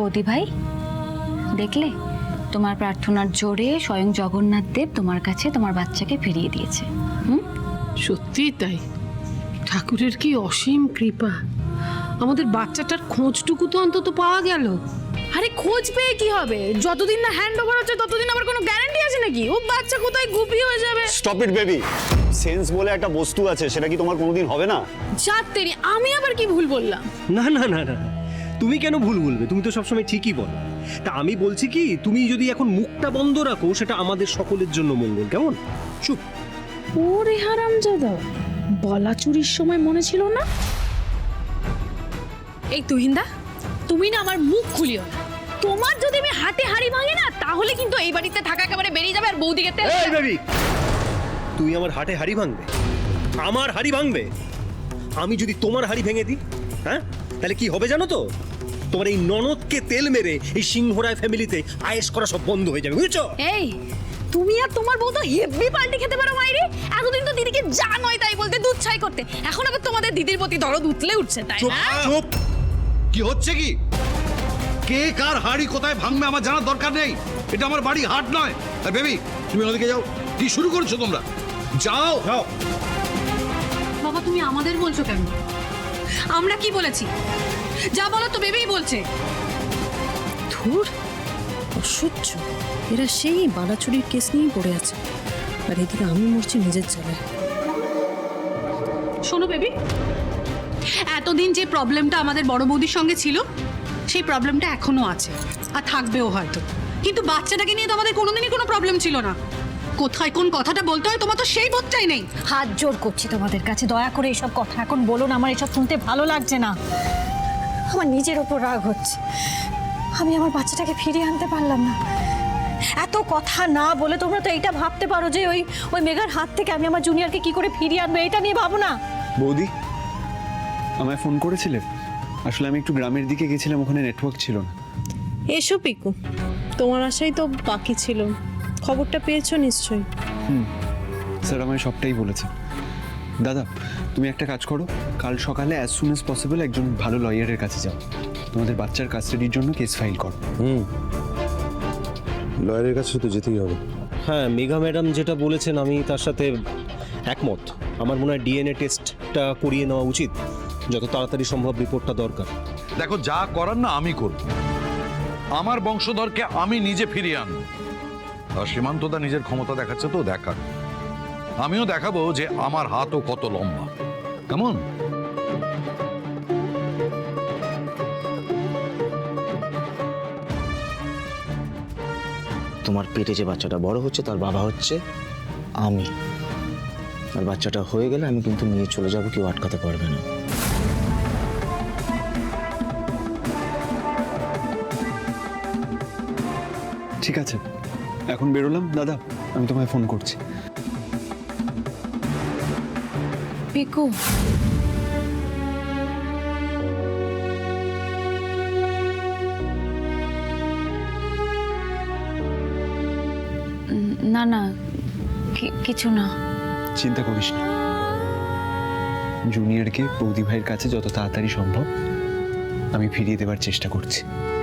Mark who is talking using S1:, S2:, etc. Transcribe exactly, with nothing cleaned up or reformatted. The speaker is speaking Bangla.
S1: বৌদি ভাই, দেখলে তোমার প্রার্থনার জোরে স্বয়ং জগন্নাথ দেব তোমার কাছে তোমার বাচ্চাকে ফিরিয়ে দিয়েছে। হুম,
S2: সত্যি তাই। ঠাকুরের কি অসীম কৃপা, আমাদের বাচ্চাটার খোঁজটুকু তো অন্তত পাওয়া গেল।
S3: আরে খোঁজ পেয়ে কি হবে? যতদিন না হ্যান্ড ওভার হচ্ছে ততদিন আবার কোনো গ্যারান্টি আছে নাকি ও বাচ্চা কোথায় গুপি হয়ে যাবে?
S4: Stop it baby. সেন্স বলে একটা বস্তু আছে, সেটা কি তোমার কোনোদিন হবে না?
S3: যাত্তেরি, আমি আবার কি ভুল বললাম?
S5: না না না না, তুমি কেন ভুল বলবে? তুমি তো সবসময় ঠিকই বলো। তা আমি বলছি কি, তুমি যদি এখন মুখটা বন্ধ রাখো সেটা আমাদের সকলের জন্য মঙ্গল। কেমন? চুপ।
S3: ওরে হারামজাদা, বলা চুরির সময় মনে ছিল না? এই তুহিন্দা, তুমি না আমার মুখ খুলিও না। তোমার যদি আমি হাতে হাড়ি ভাঙি না, তাহলে কিন্তু এই বাড়িতে থাকা একেবারে বেরিয়ে যাবে আর বৌদিকে তেল।
S5: এই বেবি, তুমি আমার হাটে হাড়ি ভাঙবে? আমার হাড়ি ভাঙবে? আমি যদি তোমার হাড়ি ভেঙে দিই, হ্যাঁ, তাহলে কি হবে জানো তো? তোমার এই ননদকে তেল মেরে এই সিংহরায় ফ্যামিলিতে আয়েশ করা সব বন্ধ হয়ে যাবে, বুঝছো?
S3: এই তুমি আর তোমার বউ তো হেভি পাল্টি খেতে পারো মাইরে। এতদিন তো দিদিকে যা নয় তাই বলতে, দুধ ছাই করতে, এখন আবার তোমাদের দিদির প্রতি দরদ উতলে উঠছে, তাই
S6: চুপ
S3: না?
S6: চুপ। কি হচ্ছে কি? কে কার হাড়ি কোথায় ভাঙবে আমার জানার দরকার নেই। এটা আমার বাড়ি, হাট নয়। আর বেবি, তুমি ওদিকে যাও। কি শুরু করেছো তোমরা? যাও যাও।
S3: বাবা তুমি আমাদের বলছো কেন? আমরা কি বলেছি? যা বলো তো বেবিই বলছে।
S7: ধুর, অসহ্য। এরা সেই বালাচুরির কেস নিয়েই পড়ে আছে, আর এদিকে আমি মরছি নিজের জ্বালায়।
S3: শোনো বেবি, এতদিন যে প্রবলেমটা আমাদের বড় বৌদির সঙ্গে ছিল, সেই প্রবলেমটা এখনো আছে আর থাকবেও হয়তো, কিন্তু বাচ্চাটাকে নিয়ে তো আমাদের কোনোদিনই কোনো প্রবলেম ছিল না। কোথায় কোন কথাটা বলতে হয় তোমার তো সেই বোধটাই নেই।
S8: হাত জোর করছি তোমাদের কাছে, দয়া করে এসব কথা এখন বলো না। আমার এসব শুনতে ভালো লাগছে না। আমার নিজের ওপর রাগ হচ্ছে। আমি আমার বাচ্চাটাকে ফিরিয়ে আনতে পারলাম না। এত কথা না বলে তোমরা তো এইটা ভাবতে পারো যে ওই ওই মেঘার হাত থেকে আমি আমার জুনিয়রকে কি করে ফিরিয়ে আনবো, এটা নিয়ে ভাবো না।
S4: বৌদি, আমায় ফোন করেছিলে? আসলে আমি একটু গ্রামের দিকে গেছিলাম, ওখানে নেটওয়ার্ক ছিল না।
S7: এসো পিকু, তোমার আশাই তো বাকি ছিল। খবরটা পেয়েছো নিশ্চয়ই?
S4: হুম, স্যার আমায় সবটাই বলেছে। দাদা, তুমি একটা কাজ করো, কাল সকালে অ্যাজ সুন অ্যাজ পসিবল একজন ভালো লয়ারের কাছে যাও, তোমাদের বাচ্চার কাস্টাডির জন্য কেস ফাইল করো।
S9: হুম, লয়ারের কাছে তো যেতেই হবে।
S5: হ্যাঁ, মেঘা ম্যাডাম যেটা বলেছেন আমি তার সাথে একমত। আমার মনে হয় ডিএনএ টেস্টটা করিয়ে নেওয়া উচিত, যত তাড়াতাড়ি সম্ভব রিপোর্টটা দরকার।
S6: দেখো, যা করার না আমি করব। আমার বংশধরকে আমি নিজে ফিরিয়ে আনবো। আর সীমান্তদা নিজের ক্ষমতা দেখাচ্ছে, তো দেখাক। আমিও দেখাবো যে আমার হাতও কত লম্বা। কেমন?
S10: তোমার পেটে যে বাচ্চাটা বড় হচ্ছে তার বাবা হচ্ছে আমি। আর বাচ্চাটা হয়ে গেলে আমি কিন্তু নিয়ে চলে যাবো, কেউ আটকাতে পারবে না।
S4: ঠিক আছে, এখন বেরোলাম দাদা, আমি তোমায় ফোন করছি।
S1: পিকু, না না, কি- কিছু না।
S4: চিন্তা করিস না, জুনিয়রকে বৌদি ভাইয়ের কাছে যত তাড়াতাড়ি সম্ভব আমি ফিরিয়ে দেওয়ার চেষ্টা করছি।